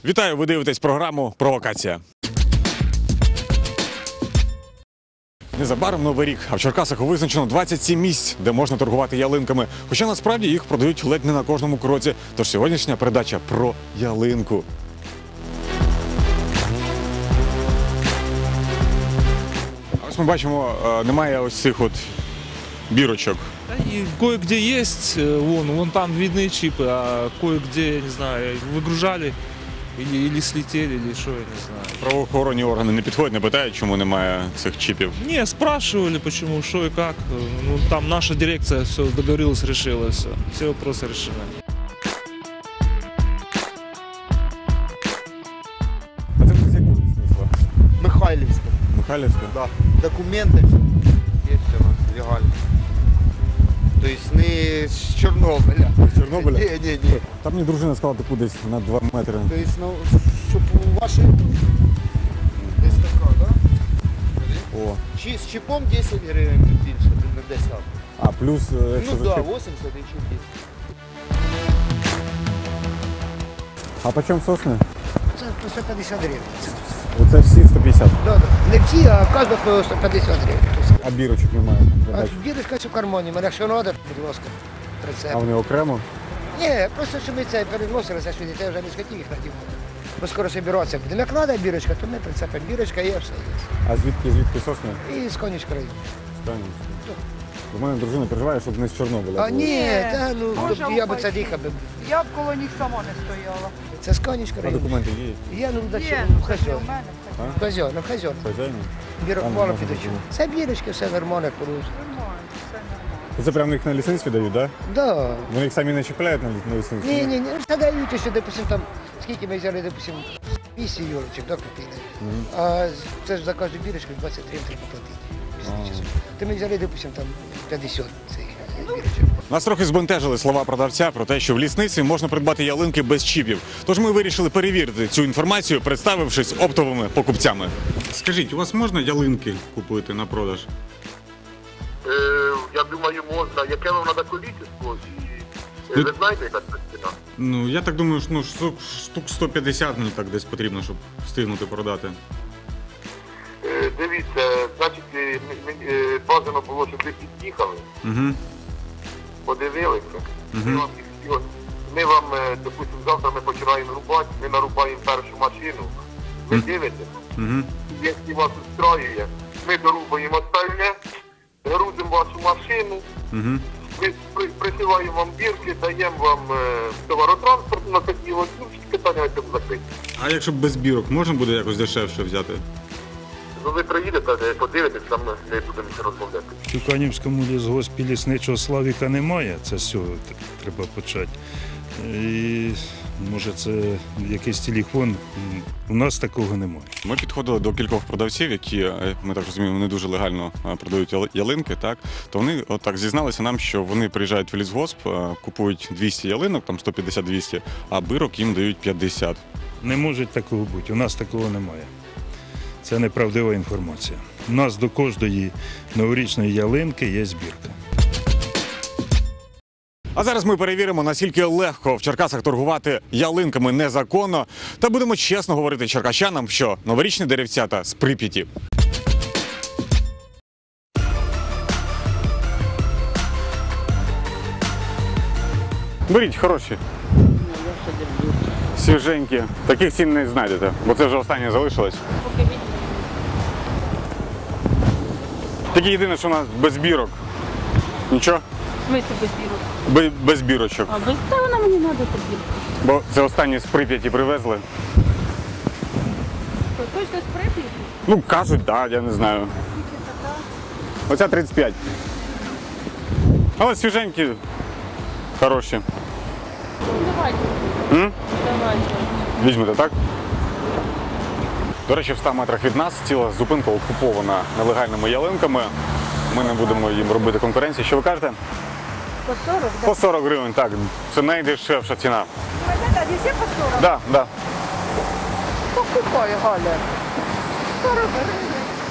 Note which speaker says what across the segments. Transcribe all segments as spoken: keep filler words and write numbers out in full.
Speaker 1: Вітаю, ви дивитесь програму «Провокація». Незабаром Новий рік, а в Черкасах визначено двадцять сім місць, де можна торгувати ялинками. Хоча насправді їх продають ледь не на кожному кроці. Тож сьогоднішня передача про ялинку. А ось ми бачимо, немає ось цих от бірочок.
Speaker 2: И кое-где есть, вон, вон там видны чипы, а кое-где, я не знаю, выгружали или, или слетели, или что, я не знаю.
Speaker 1: Правоохоронні органи не підходять, не питають, чому немає цих чіпів?
Speaker 2: Не, спрашивали, почему, что и как. Ну, там наша дирекция все договорилась, решила все. Все вопросы решены.
Speaker 1: А це з якого смисла?
Speaker 3: Михайлівська.
Speaker 1: Михайлівська?
Speaker 3: Да. Документи є у нас легально. Тобто не з Чорнобиля.
Speaker 1: З Чорнобиля?
Speaker 3: Ні, ні, ні.
Speaker 1: Там мені дружина сказала, таку десь на два метри.
Speaker 3: Тобто, ну, щоб у вашій десь така, так? Да?
Speaker 1: О.
Speaker 3: Чи з чіпом десять гривень більше, не десять.
Speaker 1: А плюс, якщо
Speaker 3: Ну
Speaker 1: за
Speaker 3: так,
Speaker 1: чіп.
Speaker 3: да, вісімдесят і чіп десять.
Speaker 1: А по чому сосни?
Speaker 3: Це по сто п'ятдесят гривень.
Speaker 1: Оце всі сто п'ятдесят.
Speaker 3: Да, да. Не всі, а кожна по сто п'ятдесят гривень.
Speaker 1: А бірочок немає.
Speaker 3: А бірочка в кармані, мене якщо треба, будь ласка, прицеп.
Speaker 1: А вони окремо?
Speaker 3: Ні, просто що ми це переносилися сюди, я вже не схотів їх надівати. Бо скоро собиратися будемо. Як треба бірочка, то ми прицепимо. Бірочка є, все є.
Speaker 1: А звідки, звідки сосни?
Speaker 3: І з конічка району.
Speaker 1: Стані. У мене дружина переживає, щоб не з Чорнобиля.
Speaker 3: А
Speaker 1: було.
Speaker 3: ні, та, ну,
Speaker 4: Боже
Speaker 3: я б це
Speaker 4: упаси.
Speaker 3: дихав. би.
Speaker 4: Я б коло них сама не стояла.
Speaker 3: Це з конічка
Speaker 1: А
Speaker 3: району.
Speaker 1: документи є?
Speaker 3: Я, ну, до
Speaker 4: Є,
Speaker 3: чого,
Speaker 4: ну, це
Speaker 3: хазьон.
Speaker 4: у мене.
Speaker 1: А?
Speaker 3: Хазьон, ну, хазьон.
Speaker 1: Хазяїн?
Speaker 3: Бірок
Speaker 1: Там
Speaker 3: мало
Speaker 1: можна
Speaker 3: підочу.
Speaker 1: було.
Speaker 3: Це бірочки, все нормально, порус.
Speaker 4: Нормально, все нормально.
Speaker 1: Це прямо їх на лісництві дають, так? Да?
Speaker 3: Да.
Speaker 1: Вони їх самі не чіпляють на лі- на лісництві?
Speaker 3: Ні, ні, ні, це дають, що, допустим, там, скільки ми взяли, допустим, вісім юрочок, да, купили. А це ж за кожну бірочку двадцять три треба платити. після часу. То ми взяли, допустим, там п'ятдесят цих бірочок.
Speaker 1: Нас трохи збентежили слова продавця про те, що в лісництві можна придбати ялинки без чіпів. Тож ми вирішили перевірити цю інформацію, представившись оптовими покупцями. Скажіть, у вас можна ялинки купити на продаж?
Speaker 5: Е, я думаю, можна. Яке вам треба количество? І, е, ви знаєте, яка це ціна?
Speaker 1: Ну, я так думаю, що ну, штук, штук сто п'ятдесят мені так десь потрібно, щоб встигнути продати.
Speaker 5: Е, дивіться, значить, е, м- м- е, бажано було, щоб ви під'їхали,
Speaker 1: Угу.
Speaker 5: подивилися.
Speaker 1: Мгм.
Speaker 5: Ми вам, їх всього- ми вам, е, допустимо, завтра ми починаємо рубати, ми нарубаємо першу машину, ви дивитесь,
Speaker 1: Угу.
Speaker 5: якщо вас устраює, ми дорубаємо остальне, грузимо вашу машину,
Speaker 1: Угу.
Speaker 5: ми при- присилаємо вам бірки, даємо вам е, товаротранспорт на такі от, ну, всі питання на цьому закриті.
Speaker 1: А якщо без бірок, можна буде якось дешевше взяти?
Speaker 5: Ну ви приїдете, е, подивитесь, там не будемо ще розмовляти.
Speaker 6: У Канівському лісгоспі лісничого Славіка немає, це з цього т- треба почати. І може це якийсь телефон, М, у нас такого немає.
Speaker 1: Ми підходили до кількох продавців, які, е, ми так розуміємо, не дуже легально е, продають яли- ялинки, так? То вони отак зізналися нам, що вони приїжджають в лісгосп, е, купують двісті ялинок, там сто п'ятдесят - двісті, а бирок їм дають п'ятдесят.
Speaker 6: Не може такого бути, у нас такого немає. Це неправдива інформація. У нас до кожної новорічної ялинки є збірка.
Speaker 1: А зараз ми перевіримо, наскільки легко в Черкасах торгувати ялинками незаконно, та будемо чесно говорити черкащанам, що новорічні деревцята з Прип'яті. Беріть, хороші. Свіженькі. Таких цін не знайдете, бо це вже останнє залишилось. Тільки єдине, що у нас без бірок. Нічого?
Speaker 4: В смысле без бірок?
Speaker 1: Бе- Без бірочок.
Speaker 4: А без та вона мені треба тобі.
Speaker 1: Бо це останні з Прип'яті привезли.
Speaker 4: Точно з Прип'яті?
Speaker 1: Ну, кажуть, так, да, я не знаю. Оця тридцять п'ять. Але свіженькі, хороші.
Speaker 4: Ну давайте.
Speaker 1: М?
Speaker 4: Давайте.
Speaker 1: Візьмете, так? До речі, в ста метрах від нас ціла зупинка окупована нелегальними ялинками. Ми не будемо їм робити конкуренції. Що ви кажете?
Speaker 4: По сорок,
Speaker 1: По сорок гривень, так. Це найдешевша ціна.
Speaker 4: да? Не всі по сорок?
Speaker 1: Так, да, так. Да.
Speaker 4: Покупай, Галя. сорок гривень.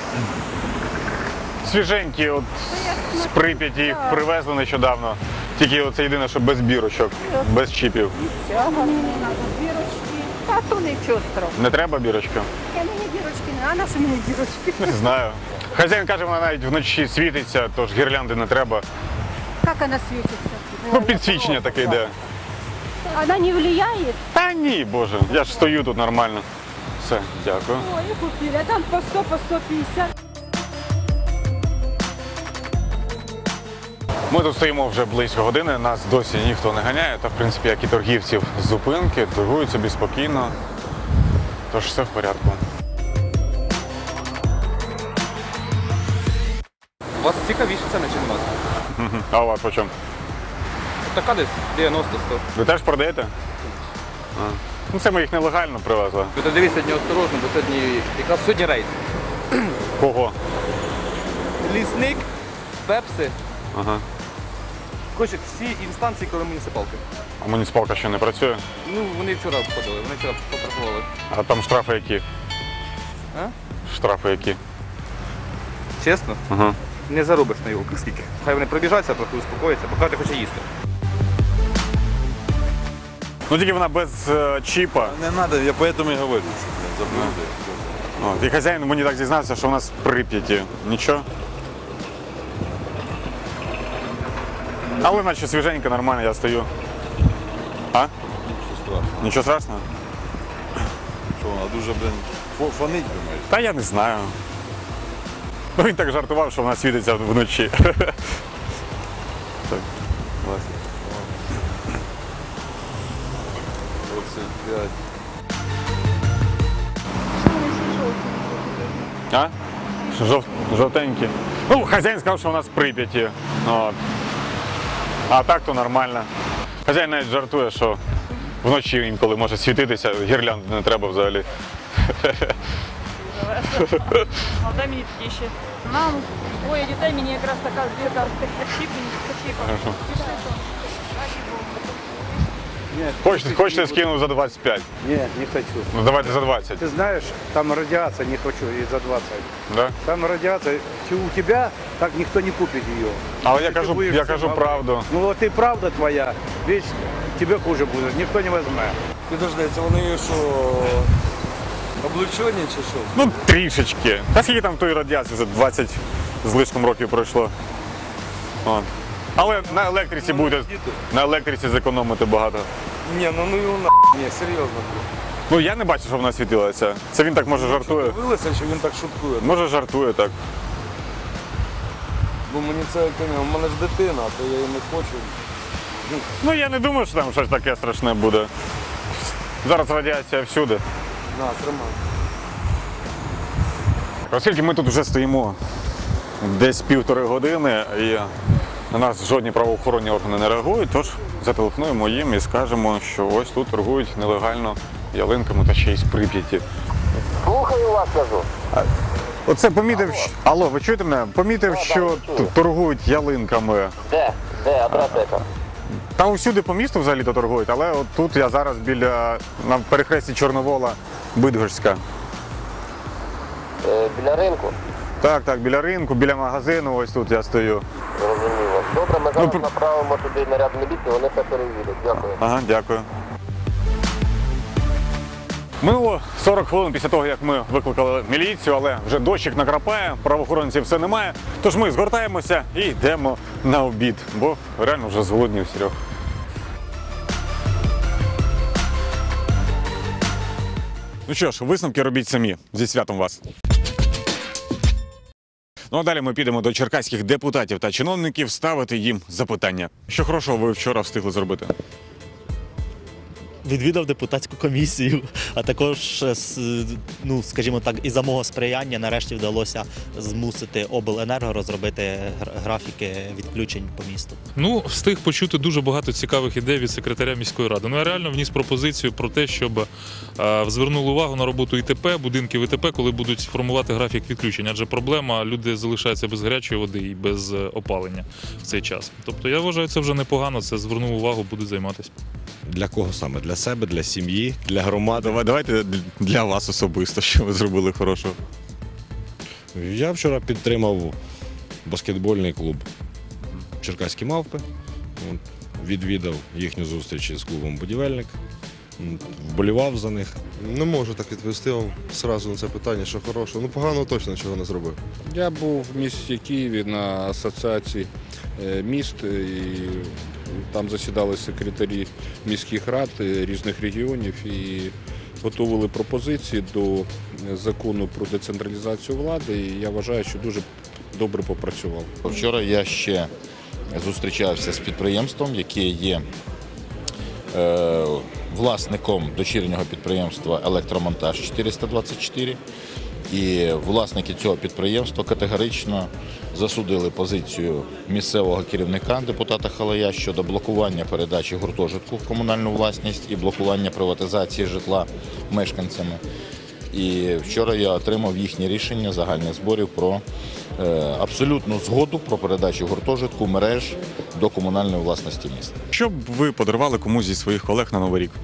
Speaker 1: Свіженькі, от з Прип'яті їх привезли нещодавно. Тільки це єдине, що без бірочок, без чіпів.
Speaker 4: Ця гарна, бірочки. А то нічого страшного.
Speaker 1: Не треба бірочка?
Speaker 4: Я мені дірочки не, а на що мені дірочки?
Speaker 1: Не знаю. Хазяїн каже, вона навіть вночі світиться, тож гірлянди не треба.
Speaker 4: Як вона світиться?
Speaker 1: Ну, підсвічення таке йде.
Speaker 4: Вона не впливає?
Speaker 1: Та ні, боже, я ж стою тут нормально. Все, дякую.
Speaker 4: Ой, і купили, а там по сто, по сто п'ятдесят.
Speaker 1: Ми тут стоїмо вже близько години, нас досі ніхто не ганяє, та в принципі, як і торгівців з зупинки, торгують собі спокійно, тож все в порядку.
Speaker 7: У вас цікавіше ціни, ніж у нас.
Speaker 1: Мгм. А у вас по чому?
Speaker 7: Така десь дев'яносто сто.
Speaker 1: Ви теж продаєте? А. Ну це ми їх нелегально привезли.
Speaker 7: Ви дивіться сьогодні осторожно, бо сьогодні якраз сьогодні рейд.
Speaker 1: Кого?
Speaker 7: Лісник, пепси,
Speaker 1: Ага.
Speaker 7: хоче всі інстанції, коли муніципалки.
Speaker 1: А муніципалка ще не працює?
Speaker 7: Ну, вони вчора обходили, вони вчора потрапували.
Speaker 1: А там штрафи які?
Speaker 7: А?
Speaker 1: Штрафи які?
Speaker 7: Чесно?
Speaker 1: Ага.
Speaker 7: Не заробиш на його скільки. Хай вони пробіжаться, трохи успокояться, поки ти хоче їсти.
Speaker 1: Ну тільки вона без е, чіпа.
Speaker 8: Не надо, я поэтому и говорю, что блин, заблюдаю.
Speaker 1: От, і хазяїн мені так зізнався, що у нас в Прип'яті. Нічого. Але наче свіженько, нормально, я стою. А?
Speaker 8: Нічого страшного.
Speaker 1: Нічого страшного?
Speaker 8: Що вона дуже, блин, фо- фонить, думаєш?
Speaker 1: Та я не знаю. Ну він так жартував, що вона світиться вночі. Так.
Speaker 8: Власне. двадцять п'ять.
Speaker 1: А? Жов... Жовтенькі. Ну, хазяїн сказав, що у нас в Прип'яті. От. А так то нормально. Хазяїн навіть жартує, що вночі інколи може світитися, гірлянди не треба взагалі.
Speaker 9: А дай мені такі ще. Нам двоє дітей, мені якраз така збірка чіпів.
Speaker 1: Хочете, хочете скину за двадцять п'ять?
Speaker 10: Нет, не хочу.
Speaker 1: Ну давайте за двадцять.
Speaker 10: Ты знаешь, там радиация, не хочу и за двадцать.
Speaker 1: Да?
Speaker 10: Там радиация, Те- у тебя так никто не купит ее.
Speaker 1: Але я
Speaker 10: Ты
Speaker 1: кажу,
Speaker 10: будешь
Speaker 1: я
Speaker 10: всем
Speaker 1: кажу
Speaker 10: говорить.
Speaker 1: правду.
Speaker 10: Ну вот и правда твоя, ведь тебе хуже будет, никто не возьме.
Speaker 8: Підожди, це вони що, облучені чи що?
Speaker 1: Ну, трішечки. Та скільки там тої радіації, вже двадцять з лишком років пройшло. От. Але на електриці буде, на електриці зекономити багато.
Speaker 8: Ні, ну ну його на, ні, серйозно.
Speaker 1: Ну я не бачу, що вона світилася. Це він так може жартує.
Speaker 8: Дивилися, чи він так шуткує?
Speaker 1: Може жартує так.
Speaker 8: Бо мені це, у мене ж дитина, то я її не хочу.
Speaker 1: Ну я не думаю, що там щось таке страшне буде. Зараз радіація всюди.
Speaker 8: На, тримай.
Speaker 1: Оскільки ми тут вже стоїмо десь півтори години і на нас жодні правоохоронні органи не реагують, тож зателефонуємо їм і скажемо, що ось тут торгують нелегально ялинками та ще й з Прип'яті.
Speaker 5: Слухаю вас, кажу.
Speaker 1: Оце помітив, що... Алло, ви чуєте мене? Помітив, що тут торгують ялинками.
Speaker 5: Де? Де? Адреса яка?
Speaker 1: Та усюди по місту взагалі-то торгують, але от тут я зараз біля, на перехресті Чорновола, Бидгорська.
Speaker 5: Е, біля ринку.
Speaker 1: Так, так, біля ринку, біля магазину, ось тут я стою.
Speaker 5: Зрозуміло. Добре, ми зараз
Speaker 1: Ну,
Speaker 5: направимо туди наряд міліції, вони все перевірять. Дякую.
Speaker 1: Ага, дякую. Минуло сорок хвилин після того, як ми викликали міліцію, але вже дощик накрапає, правоохоронців все немає. Тож ми згортаємося і йдемо на обід, бо реально вже зголоднів Серьох. Ну що ж, висновки робіть самі. Зі святом вас. Ну а далі ми підемо до черкаських депутатів та чиновників ставити їм запитання. Що хорошого ви вчора встигли зробити?
Speaker 11: Відвідав депутатську комісію, а також, ну, скажімо так, і за мого сприяння нарешті вдалося змусити обленерго розробити графіки відключень по місту.
Speaker 2: Ну, встиг почути дуже багато цікавих ідей від секретаря міської ради. Ну, я реально вніс пропозицію про те, щоб е, звернули увагу на роботу ІТП, будинків ІТП, коли будуть формувати графік відключень. Адже проблема, люди залишаються без гарячої води і без опалення в цей час. Тобто, я вважаю, це вже непогано, це звернув увагу, будуть займатися.
Speaker 12: Для кого саме? Для себе, для сім'ї, для громади?
Speaker 1: Давайте для вас особисто, що ви зробили хорошого.
Speaker 12: Я вчора підтримав баскетбольний клуб «Черкаські мавпи». От, відвідав їхню зустріч з клубом «Будівельник». м, вболівав за них.
Speaker 13: Не можу так відповісти вам одразу на це питання, що хороше. Ну, поганого точно нічого не зробив.
Speaker 14: Я був в місті Києві на асоціації е, міст, і там засідали секретарі міських рад е, різних регіонів і готували пропозиції до закону про децентралізацію влади, і я вважаю, що дуже добре попрацював.
Speaker 15: Вчора я ще зустрічався з підприємством, яке є е, власником дочірнього підприємства «Електромонтаж чотириста двадцять чотири». І власники цього підприємства категорично засудили позицію місцевого керівника депутата Халая щодо блокування передачі гуртожитку в комунальну власність і блокування приватизації житла мешканцями. І вчора я отримав їхнє рішення загальних зборів про е, абсолютну згоду про передачу гуртожитку мереж до комунальної власності міста.
Speaker 1: Що б ви подарували комусь зі своїх колег на Новий рік?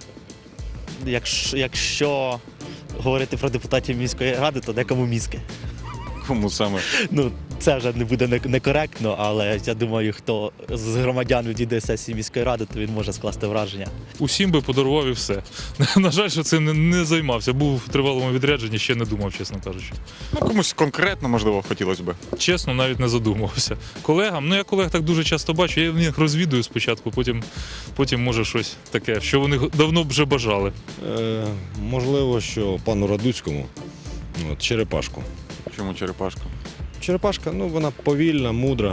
Speaker 11: Якщо, якщо говорити про депутатів міської ради, то декому мізки.
Speaker 1: Кому саме?
Speaker 11: Ну, це вже не буде не- некоректно, але я думаю, хто з громадян відійде з сесії міської ради, то він може скласти враження.
Speaker 2: Усім би подарував і все. На жаль, що це не, не займався. Був в тривалому відрядженні, ще не думав, чесно кажучи.
Speaker 1: Ну, комусь конкретно, можливо, хотілося б.
Speaker 2: Чесно, навіть не задумувався. Колегам, ну я колег так дуже часто бачу, я їх розвідую спочатку, потім, потім може щось таке, що вони давно б вже бажали.
Speaker 12: Е, можливо, що пану Радуцькому от, черепашку.
Speaker 1: Чому черепашка?
Speaker 12: Черепашка, ну вона повільна, мудра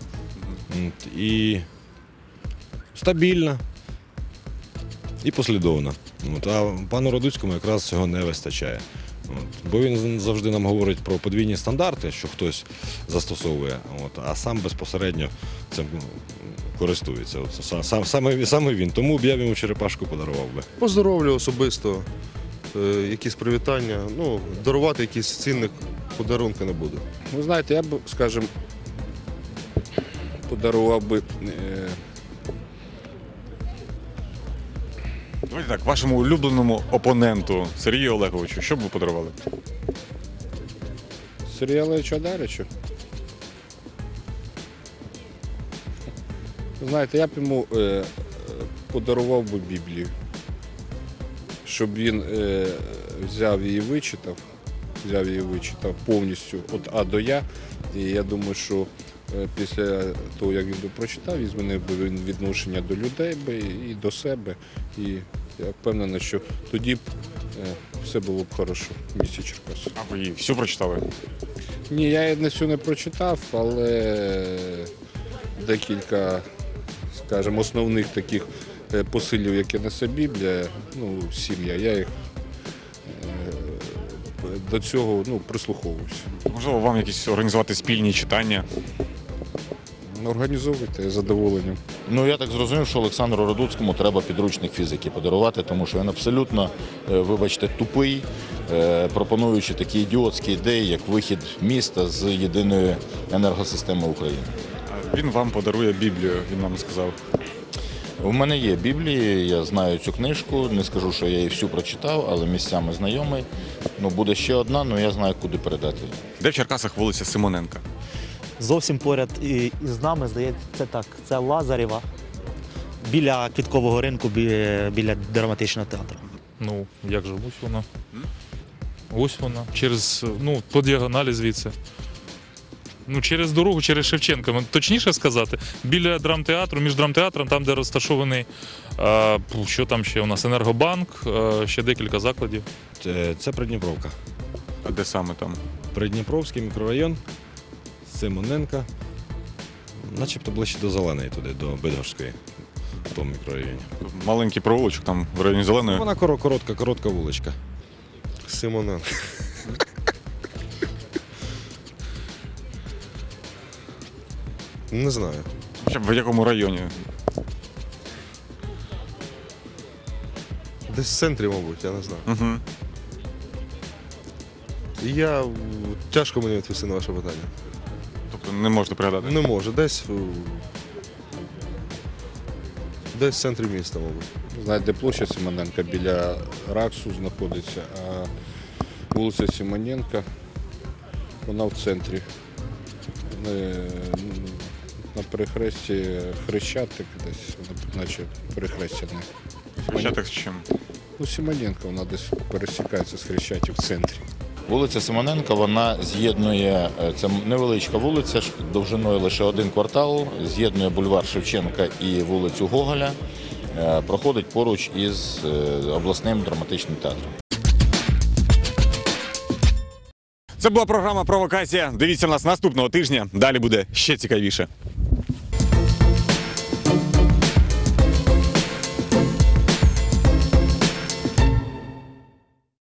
Speaker 12: от, і стабільна і послідовна. От, а пану Радуцькому якраз цього не вистачає. От, бо він завжди нам говорить про подвійні стандарти, що хтось застосовує, от, а сам безпосередньо цим користується. От, сам, саме, саме він. Тому б я йому черепашку подарував би.
Speaker 13: Поздоровлю особисто, е, якісь привітання. Ну, дарувати якісь цінних подарунки не буду.
Speaker 14: Ви знаєте, я б, скажімо, подарував би е,
Speaker 1: Давайте так, вашому улюбленому опоненту Сергію Олеговичу, що б ви подарували?
Speaker 14: Сергію Олеговичу Одаричу. Знаєте, я б йому е, подарував би Біблію, щоб він е, взяв її вичитав, взяв її вичитав повністю від А до Я. І я думаю, що е, після того, як він би прочитав, він змінив би він відношення до людей би і до себе. І я впевнений, що тоді б е, все було б хорошо в місті Черкаси.
Speaker 1: А ви її всю прочитали?
Speaker 14: Ні, я її не всю не прочитав, але декілька, скажімо, основних таких е, посилів, які несе Біблія, ну, сім'я, я їх е, до цього ну, прислуховувався.
Speaker 1: Можливо, вам якісь організувати спільні читання?
Speaker 14: Організовуйте з задоволенням.
Speaker 15: Ну, я так зрозумів, що Олександру Радуцькому треба підручник фізики подарувати, тому що він абсолютно, е, вибачте, тупий, е, пропонуючи такі ідіотські ідеї, як вихід міста з єдиної енергосистеми України.
Speaker 1: А він вам подарує Біблію, він нам сказав.
Speaker 15: У мене є Біблія, я знаю цю книжку, не скажу, що я її всю прочитав, але місцями знайомий. Ну, буде ще одна, але я знаю, куди передати її.
Speaker 1: Де в Черкасах вулиця Симоненка?
Speaker 11: Зовсім поряд і, і з нами, здається, це так, це Лазарєва, біля Квіткового ринку, біля, біля драматичного театру.
Speaker 2: Ну, як же, ось вона. Ось вона. Через, ну, по діагоналі звідси. Ну, через дорогу, через Шевченка, точніше сказати, біля драмтеатру, між драмтеатром, там, де розташований, а, що там ще у нас, Енергобанк, а, ще декілька закладів.
Speaker 12: Це, це Придніпровка.
Speaker 1: А де саме там?
Speaker 12: Придніпровський мікрорайон, Симоненка, начебто ближче до Зеленої туди, до Бидгорської, в тому мікрорайоні.
Speaker 1: Маленький провулочок там в районі Зеленої.
Speaker 12: Вона коротка, коротка вуличка.
Speaker 13: Симоненко. Не знаю.
Speaker 1: Хоча б в якому районі?
Speaker 13: Десь в центрі, мабуть, я не знаю.
Speaker 1: Угу.
Speaker 13: Я тяжко мені відповісти на ваше питання.
Speaker 1: Тобто не можете пригадати?
Speaker 13: Не можу. Десь десь в центрі міста, мабуть.
Speaker 14: Знаєте, площа Симоненка біля Раксу знаходиться, а вулиця Симоненка, вона в центрі. На перехресті Хрещатик десь, наче перехрестя.
Speaker 1: Хрещатик з чим?
Speaker 14: Ну, Симоненко, вона десь пересікається з Хрещатик в центрі.
Speaker 15: Вулиця Симоненка, вона з'єднує, е, це невеличка вулиця, ш- довжиною лише один квартал, з'єднує бульвар Шевченка і вулицю Гоголя, е, проходить поруч із е, обласним драматичним театром.
Speaker 1: Це була програма «Провокація». Дивіться нас наступного тижня. Далі буде ще цікавіше.